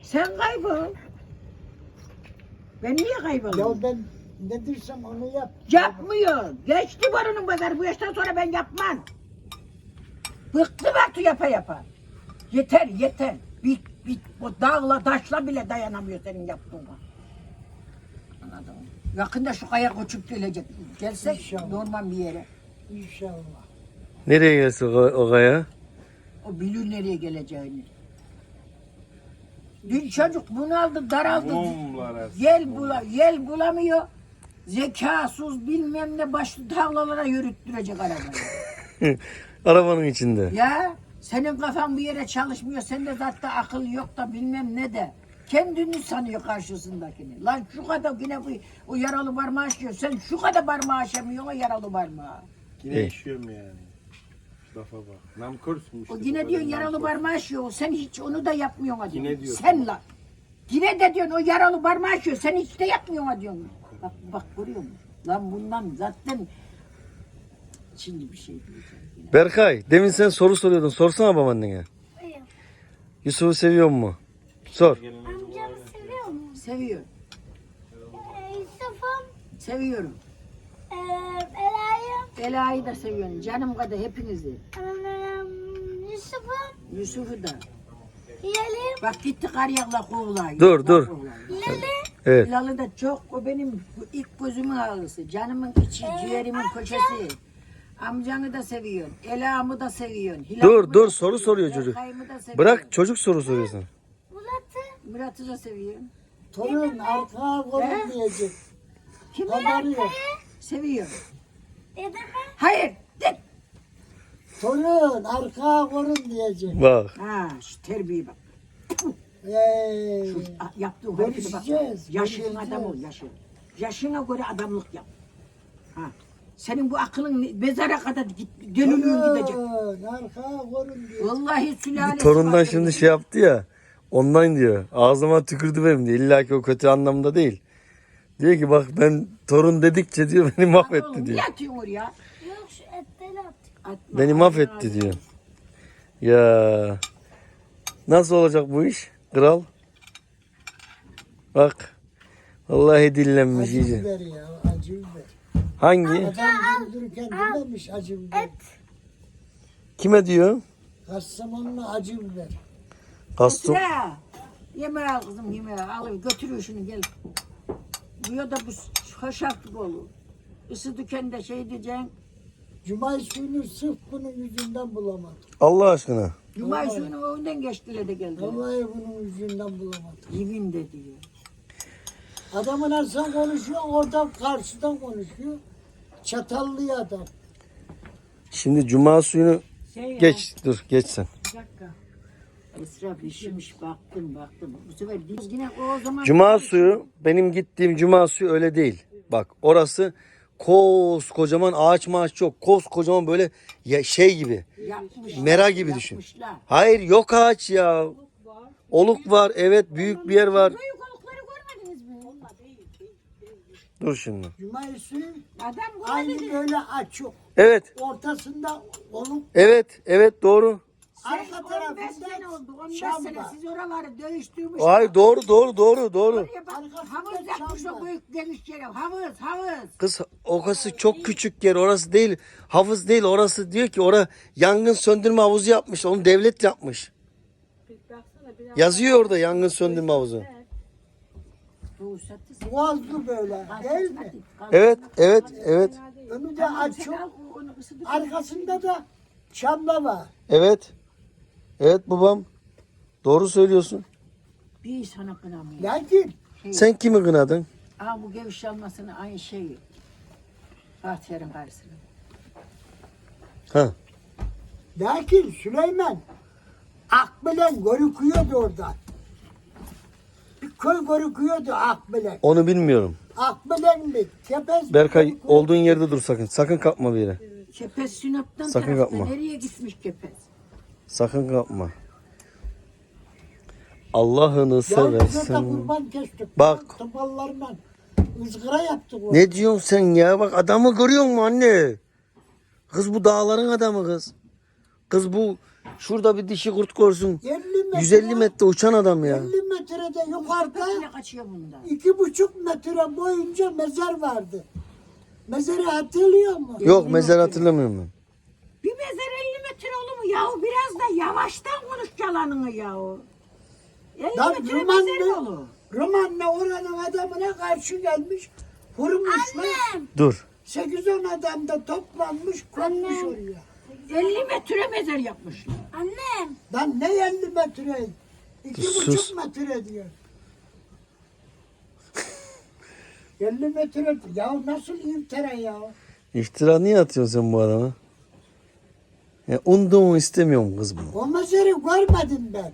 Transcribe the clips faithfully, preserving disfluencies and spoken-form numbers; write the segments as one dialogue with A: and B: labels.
A: Sen kaybol. Ben niye kaybolayım?
B: Ya ben ne diyorsam onu yap.
A: Yapmıyor. Geçti barının pazarı. Bu yaştan sonra ben yapmam. Bıktım artık yapa yapa. Yeter yeter. Bir, bir, o dağla taşla bile dayanamıyor senin yaptığına. Anladın mı? Yakında şu kaya koçup gelecek. Gelsek
B: İnşallah.
A: normal bir yere.
B: İnşallah.
C: Nereye gelsin o, o kaya?
A: O bilir nereye geleceğini. Dün çocuk bunaldı, daraldı.
D: Mumlara.
A: Yel, bula, yel bulamıyor. Zekasız bilmem ne başlı tavlalara yürüttürecek arabayı.
C: Arabanın içinde.
A: Ya senin kafan bir yere çalışmıyor. Sende zaten akıl yok da bilmem ne de. Kendini sanıyor karşısındakini. Lan şu kadar yine bu o yaralı parmağı aşıyor. Sen şu kadar parmağı aşamıyorsun o yaralı parmağı.
D: Yine
C: İyi.
D: yaşıyorum yani. Lafa bak. Namkörsün işte.
A: O
D: bu
A: yine
D: kadar
A: diyorsun yaralı
D: nankör.
A: parmağı aşıyor. Sen hiç onu da yapmıyorsun diyorsun.
D: Yine diyorsun.
A: Sen lan. Yine de diyorsun o yaralı parmağı aşıyor. Sen hiç de yapmıyorsun diyorsun. Bak bak görüyor musun? Lan bundan zaten şimdi bir şey diyeceğim. Yine.
C: Berkay, demin sen soru soruyordun. Sorsana babaannene. Yusuf'u seviyor mu? Sor.
E: Amcamı seviyor mu?
A: Seviyor.
E: Ee, Yusuf'um,
A: Seviyorum.
E: ee, Ela'yı,
A: Ela'yı da seviyorum. Canım kadar hepinizi.
E: um, Yusuf'um,
A: Yusuf'u da.
E: Hilal'im,
A: Bak gitti Karyak'la kovlayı.
C: Dur, dur.
E: Hilal'i,
C: Evet.
A: Hilal'ı da çok, o benim ilk gözümün ağrısı. Canımın içi, ciğerimin köşesi. Amcanı da seviyorsun. Ela'mı da seviyorsun. Hilal'ımı
C: Dur,
A: da
C: dur. Soru
A: seviyorsun,
C: soruyor çocuk.
A: Berkay'ımı da seviyorsun.
C: Bırak çocuk soru soruyor sana.
E: Murat'ı,
A: Murat'ı da seviyorsun.
B: Torun arkaya
A: He?
B: koyun diyecek.
A: Kimi?
B: Haberi yok.
A: Seviyorum.
E: dedemi,
A: Hayır. De.
B: Torun arkaya koyun diyecek.
C: Bak.
A: Ha, şu terbiye bak.
B: Hey.
A: Ah, yaptığı harekete bak.
B: Görüşeceğiz,
A: Yaşın
B: görüşeceğiz.
A: adam ol, yaşın. Yaşına göre adamlık yap. Ha. Senin bu aklın ne- mezara kadar git, dönülüyor gidecek.
B: Torun arkaya koyun diyecek.
A: Vallahi sülalesi
C: Torundan
A: vardır
C: şimdi
A: benim.
C: şey yaptı ya. Ondan diyor. Ağzıma tükürdü benim diyor. İlla ki o kötü anlamda değil. Diyor ki bak ben torun dedikçe diyor beni
A: Oğlum,
C: mahvetti
A: niye
C: diyor.
A: atıyorsun oraya?
E: yok şu etleri at.
A: Atma,
C: Beni
A: atma,
C: mahvetti
A: atma.
C: diyor. Ya nasıl olacak bu iş? Kral. Bak. Vallahi dillenmiş
B: Acı
C: iyice.
B: biber ya, acı biber.
C: Hangi?
B: Adam güldürürken dememiş acı biber.
C: Kime diyor?
B: Kastamonu'na acı biber.
C: Kastum.
A: Ya, yemeğe al kızım yemeğe al götürüyor şunu gel. Bu ya da bu hoşaflık olur. Isı dükkanında şey diyeceksin.
B: Cumay suyunu sırf bunun yüzünden bulamadım.
C: Allah aşkına.
A: Cumay
B: Vallahi.
A: suyunu önden geçtiler de geldiler.
B: Vallahi bunun yüzünden bulamadım.
A: Yemin de diyor.
B: Adamın sen konuşuyor, oradan karşıdan konuşuyor. Çatallı adam.
C: Şimdi cuma suyunu
A: Şey ya,
C: geç. Dur geç sen.
A: Bir dakika. Esra pişirmiş baktım baktım. Bu sefer biz yine o zaman...
C: Cuma suyu benim gittiğim cuma suyu öyle değil. Bak orası koskocaman ağaç maaç yok. Koskocaman böyle ya şey gibi.
A: Yapmışlar,
C: Mera gibi düşün.
A: yapmışlar.
C: Hayır yok ağaç ya. Oluk var evet büyük bir yer var.
A: Büyük olukları görmediniz mi?
C: Dur şimdi.
B: Cumay suyu
A: Adam
B: aynı
A: görmedi.
B: böyle açık.
C: Evet
B: Ortasında oluk,
C: evet evet doğru.
B: arka
A: on beş sene oldu.
B: tarafında
A: on beş
B: çam
A: sene
B: var.
A: siz oraları dövüştürmüş.
C: Hayır doğru doğru doğru doğru.
A: Oraya bak,
B: Arkasında
A: havuz yapmış
B: çam
A: o
B: var.
A: büyük geniş yere. Havuz havuz.
C: Kız orası çok küçük yer orası değil. Havuz değil orası diyor ki orada yangın söndürme havuzu yapmış. Onu devlet yapmış. Yazıyor orada yangın söndürme havuzu.
A: Bu sattı.
B: Boğazlı böyle değil mi?
C: Evet evet evet
B: Önü de açık. Arkasında da çamla var.
C: evet. Evet babam. Doğru söylüyorsun.
A: Bir sana kınamıyor.
B: Lakin
C: Sen kimi kınadın?
A: Aa bu geviş almasını aynı şey. Bahtiyar'ın karşısına.
C: Ha.
B: Lakin Süleyman Akbilen görüküyordu orada. Bir köy görüküyordu Akbilen.
C: Onu bilmiyorum.
B: Akbilen mi? Tepez mi?
C: Berkay
B: görüküyordu?
C: olduğun yerde dur sakın. Sakın kalkma bir yere.
A: Kepez Sinop'tan
C: Sakın
A: tarafta.
C: yapma.
A: Nereye gitmiş Kepez?
C: Sakın kalkma. Allah'ını
B: Ya bize de
C: seversen.
B: kurban kestik.
C: Bak.
B: Tıballarla ızgara yaptık. orada.
C: Ne diyorsun sen ya? Bak adamı görüyor musun anne? Kız bu dağların adamı kız. Kız bu şurada bir dişi kurt görsün.
B: elli metre,
C: yüz elli metre uçan adam ya.
B: elli metrede yukarıda
A: Yine kaçıyor bundan.
B: iki buçuk metre boyunca mezar vardı. Mezarı hatırlıyor musun?
C: Yok mezar hatırlamıyorum ben.
A: Bir mezar elli metre olur mu yahu? Biraz da yavaştan konuş yalanını yahu. elli
B: Lan
A: metre mezar mı
B: Romanlı,
A: olur?
B: Romanlı oranın adamına karşı gelmiş. Vurmuşlar.
C: Dur.
B: sekiz on adam da toplanmış konmuş oraya.
A: elli metre mezar yapmışlar.
E: Annem.
B: Lan ne elli metre? İki
C: Sus.
B: buçuk metre diyor. elli metre. Ya nasıl iftira ya?
C: İftira niye atıyorsun sen bu adama? Ya unduğumu istemiyorum kız bunu.
B: O mezarı görmedim ben.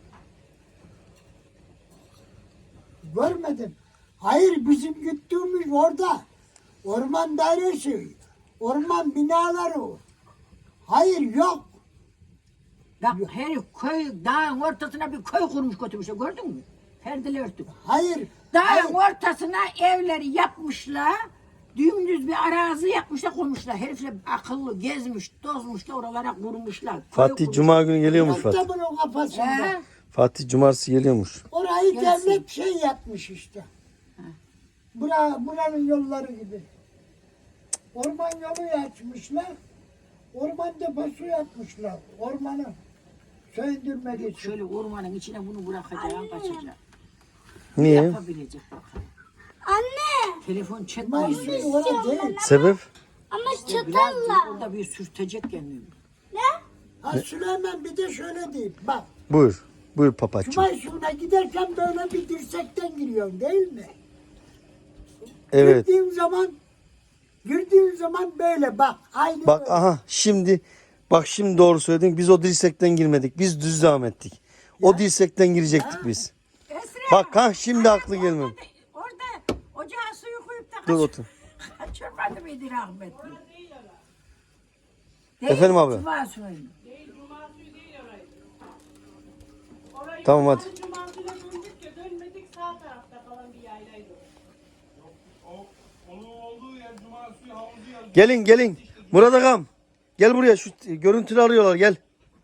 B: Görmedim. Hayır bizim gittiğimiz orada. Orman dairesi. Orman binaları. Hayır yok.
A: Bak herif köy, dağın ortasına bir köy kurmuş götürmüşler gördün mü? Perdeli örtük.
B: Hayır.
A: Dağın
B: hayır.
A: ortasına evleri yapmışlar. Dümdüz bir arazi yapmışlar koymuşlar. Herifler akıllı gezmiş, tozmuş da oralara kurmuşlar. Köy
C: Fatih
A: kurmuş.
C: Cuma günü geliyormuş
B: Yok da
C: Fatih.
B: bunun kafasında.
A: He?
C: Fatih Cumartesi geliyormuş.
B: Orayı
A: Gelsin.
B: devlet şey yapmış işte. Bura, buranın yolları gibi. Orman yolu açmışlar. Orman deposu yapmışlar. Ormanı söndürmek için.
A: Şöyle ormanın içine bunu bırakacağım, kaçacak.
C: Niye?
A: Yapabilecek bakalım.
E: Anne.
A: Telefon çekmiyor.
B: Mayıs orada değil.
C: Sebep?
E: Ama
A: Biraz
E: çatalla.
A: orada bir sürtecek kendini.
E: Ne?
B: Ha Süleyman bir de şöyle diyeyim. Bak
C: Buyur. Buyur papacığım.
B: Cuma suyuna giderken böyle bir dirsekten giriyorsun değil mi?
C: Evet.
B: Girdiğin zaman girdiğin zaman böyle bak. Aynı
C: Bak
B: böyle.
C: aha şimdi bak şimdi doğru söyledin. Biz o dirsekten girmedik. Biz düz devam ettik. O dirsekten girecektik biz.
A: Esra.
C: Bak ha şimdi aklı gelmem.
A: Orada ocağa suyu koyup da
C: Dur
A: kaç-
C: otur.
A: kaçırmadı mıydı rahmetli?
C: Efendim abi?
A: Cuma suyu.
C: Tamam hadi.
F: Cumartesi'ne döndük ya dönmedik sağ tarafta kalan bir yaylaydı.
D: Onun olduğu yer Cuma suyu havuzu yazıyor.
C: Gelin gelin. Murat Agam. Gel buraya şu görüntülü arıyorlar gel.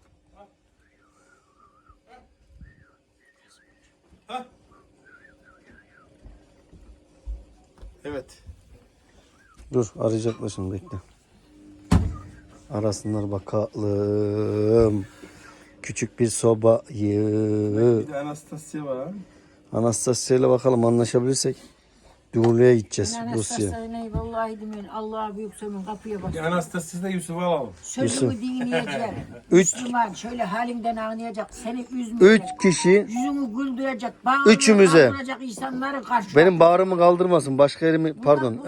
D: Evet.
C: Dur arayacaklar şimdi bekle. Arasınlar bakalım. Küçük bir sobayı.
D: Bir de Anastasia var.
C: Anastasya ile bakalım anlaşabilirsek. Dumurlu'ya gideceğiz Rusya'ya.
A: Anastasya vallahi demeyin. Allah'a büyük sömün kapıya bak.
D: Bir Anastasia'da da Yusuf'u alalım.
A: Sözümü dinleyecek.
C: Üç-
A: Müslüman şöyle halinden anlayacak. Seni üzmeyecek.
C: Üç kişi
A: Yüzünü güldürecek. Bağırını
C: Üçümüze.
A: kaldıracak insanları karşı.
C: benim bağrımı kaldırmasın. Başka yerimi pardon.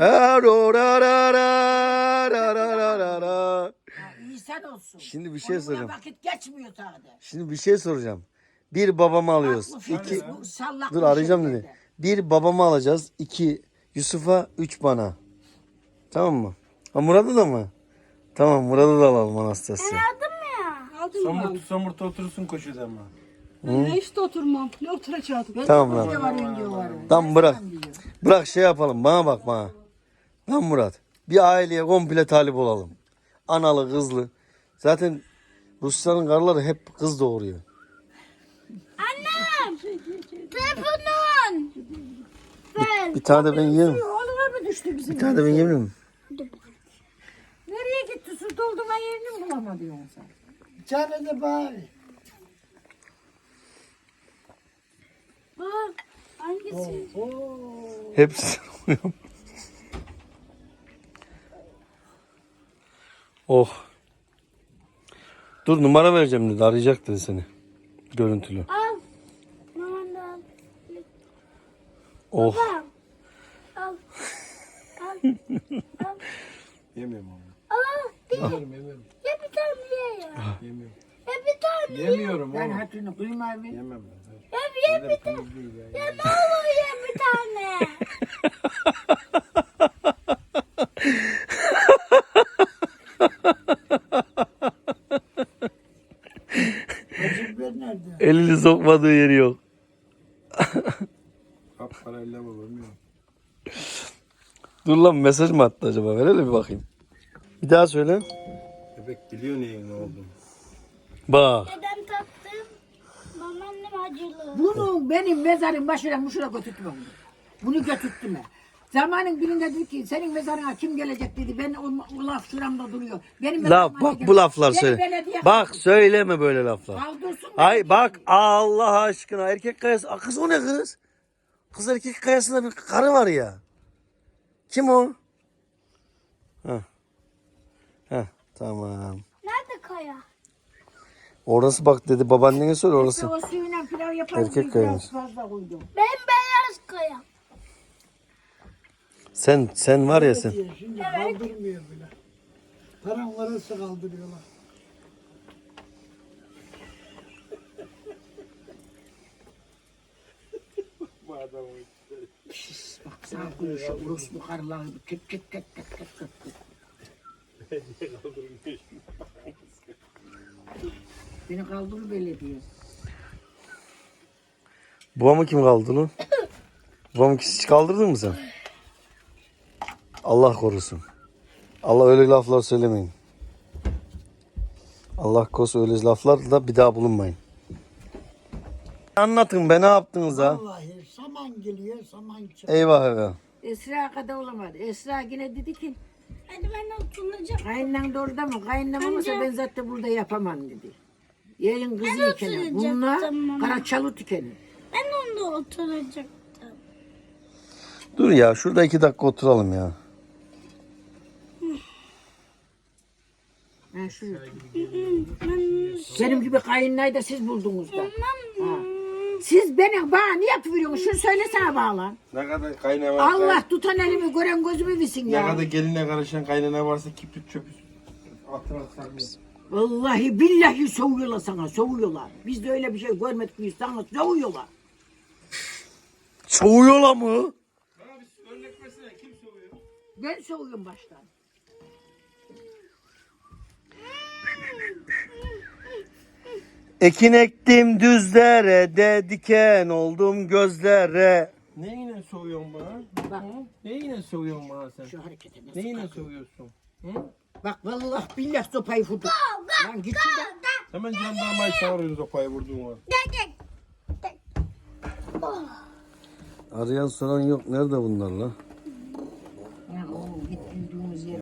A: İnsan olsun.
C: Şimdi bir şey
A: Onunla
C: soracağım.
A: vakit geçmiyor sağda.
C: Şimdi bir şey soracağım. Bir babamı alıyoruz.
A: Aklı fikri
C: İki,
A: bu sallaklı
C: dur arayacağım
A: şeylerde.
C: dedi. Bir babamı alacağız. İki Yusuf'a, üç bana. Tamam mı? Ha Murat'ı da mı? Tamam Murat'ı da alalım Anastasya.
E: Aldım ya.
F: Aldım
D: Somurtu somurtu oturursun koşuyordu ama.
F: ben. Ne işte oturmam. Ne oturacaktım?
A: Ben
C: Tamam
A: de
C: lan.
A: koca varıyorum diyorlar.
C: Tamam bırak.
A: diyor.
C: Bırak şey yapalım. Bana bak bana. Lan Murat. Bir aileye komple talip olalım. Analı kızlı. Zaten Rusların karıları hep kız doğuruyor.
E: Annem. Telefonun. Ver.
C: Bir tane de ben yiyeyim.
A: Oğluma mı düştü bizim?
C: Bir tane de ben yiyeyim mi?
A: Nereye gitti? Su doldurma yerini mi bulamadı yoksa?
B: Bir tane de bari.
E: Bak. Hangisi?
C: Hepsi oluyor. Oh. Dur numara vereceğim dedi. Arayacak dedi seni. Görüntülü.
E: Al. Maman da al.
C: Oh.
E: Bak. Al. Al.
D: Yemiyorum onu.
E: Al. Bir,
D: Yemiyorum yemiyorum.
E: ya bir tane ye ya.
D: Yemiyorum.
E: Ya bir tane.
D: Yemiyorum
A: Ben
D: oğlum.
A: hatırını kıyma mı?
D: Yemem ben.
E: Ya bir, ya bir tane.
D: Temiz değil ya.
E: Ya ne olur ya bir tane.
B: Acı biber nerede?
C: Elini sokmadığı yeri yok.
D: Kap parayla mı bilmiyorum.
C: Dur lan mesaj mı attı acaba? Ver hele bir bakayım. Bir daha söyle.
D: Bebek biliyor neyin ne olduğunu.
C: Bak.
E: Dedem tattı. Babaannem acılı.
A: Bunu benim mezarın başına muşura götürtme bunu. Bunu götürtme. Zamanın birinde dedi ki senin mezarına kim gelecek dedi. Ben o, o laf şuramda duruyor. Benim
C: Laf
A: mezarıma
C: bak
A: gelecek.
C: bu laflar
A: Beni
C: söyle.
A: belediye
C: Bak
A: kaldırsın.
C: söyleme böyle laflar.
A: Kaldırsın
C: Ay
A: belediye.
C: bak Allah aşkına erkek kayası. Aa, kız o ne kız? Kız erkek kayasında bir karı var ya. Kim o? Heh. Heh, tamam.
E: Nerede kaya?
C: Orası bak dedi babaannene söyle orası.
A: O suyuyla pilav yaparız.
C: Erkek
A: biz
C: kayamız.
A: biraz fazla koydum.
E: Ben beyaz kaya.
C: Sen sen var ya sen.
B: Diye Şimdi kaldırmıyor bile. Paran varsa kaldırıyorlar.
A: Bak sana konuşuyor. Rus buharlar. Kıt kıt kıt kıt kıt kıt kıt. Beni kaldır belediye.
C: Babamı kim kaldırdı lan? Babamı hiç kaldırdın mı sen? Allah korusun. Allah öyle laflar söylemeyin. Allah korusun öyle laflar da bir daha bulunmayın. Anlatın be ne yaptınız ha?
B: Vallahi saman geliyor, saman çıkıyor.
C: Eyvah eyvah.
A: Esra kadar olamadı. Esra yine dedi ki
E: Hadi ben oturacağım.
A: kayınlan da orada mı? Kayınlan olmasa
E: Amca.
A: ben zaten burada yapamam dedi. Yerin kızı
E: Ben
A: ikeni.
E: oturacaktım
A: Bunlar
E: ama.
A: karaçalı tükeni.
E: Ben onda oturacaktım.
C: Dur ya şurada iki dakika oturalım ya.
A: Ha, şu.
E: Ben
A: Benim gibi kayınlayı da siz buldunuz da. Ha. Siz beni bana niye atıveriyorsunuz? Şunu söylesene bağlan.
D: Ne kadar kaynama.
A: Allah tutan elimi gören gözümü bilsin
D: Ne
A: ya.
D: kadar geline karışan kaynana varsa kibrit çöpü. Atın atın.
A: Vallahi billahi soğuyorlar sana soğuyorlar. Biz de öyle bir şey görmedik biz sana soğuyorlar.
C: Soğuyorlar mı?
A: Ben soğuyorum baştan.
C: Ekin ektim düzlere diken oldum gözlere.
D: Neyine soğuyorsun bana?
A: Bak.
D: Hı? Neyine soğuyorsun bana sen?
A: Şu harekete nasıl
D: Neyine
A: kalkıyor?
D: soğuyorsun?
A: Bak vallahi billahi sopayı vurdu. Lan git şuradan.
D: Hemen jandarmayı çağırıyoruz sopayı vurduğun var.
C: Arayan soran yok. Nerede bunlar la?